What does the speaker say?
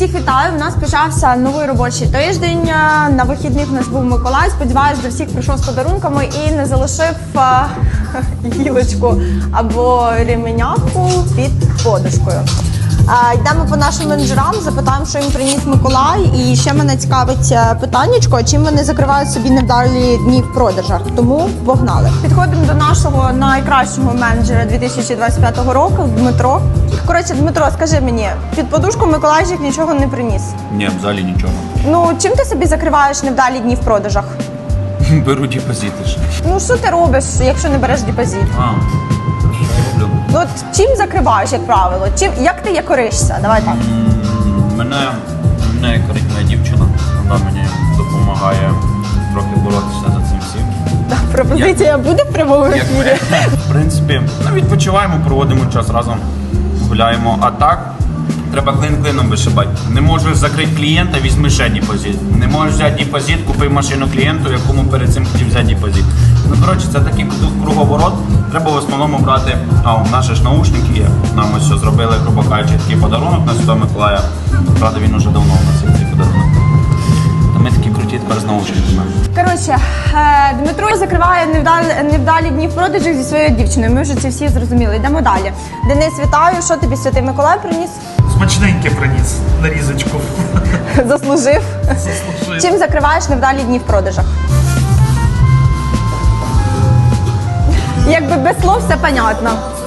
Всіх вітаю! У нас почався новий робочий тиждень. На вихідних у нас був Миколай. Сподіваюсь, до всіх прийшов з подарунками і не залишив гілочку або ременяку під подушкою. Йдемо по нашим менеджерам, запитаємо, що їм приніс Миколай. І ще мене цікавить питаннячко, чим вони закривають собі невдалі дні в продажах. Тому погнали. Підходимо до нашого найкращого менеджера 2025 року, Дмитро. Коротше, Дмитро, скажи мені, під подушку Миколайчик нічого не приніс? Ні, взагалі нічого. Ну, чим ти собі закриваєш невдалі дні в продажах? Беру депозити ще. Ну, що ти робиш, якщо не береш депозит? Що я роблю? Ну, от чим закриваєш, як правило? Як ти якоришся? Давай так. Мене якорить моя дівчина. Вона мені допомагає трохи боротися за цим всім. Пропозиція буде в прямому ефірі? В принципі, відпочиваємо, проводимо час разом, гуляємо. А так, треба клин клином вишибати. Не можеш закрити клієнта, візьми ще депозит. Не можеш взяти депозит, купи машину клієнту, якому перед цим хотів взяти депозит. Ну, коротше, це такий круговорот. Треба в основному брати, у нас ж наушники є. Нам ось що зробили, грубо кажучи, такий подарунок на Святого Миколая. Правда, він уже давно у нас є цей подарунок. То ми такі круті тепер з наушниками. Коротше, Дмитро закриває невдалі дні в продажах зі своєю дівчиною. Ми вже це всі зрозуміли. Йдемо далі. Денис, вітаю. Що тобі Святий Миколай приніс? Смачненьке приніс, нарізочку. Заслужив. Заслужив. Чим закриваєш невдалі дні в продажах? Якби без слов все понятно.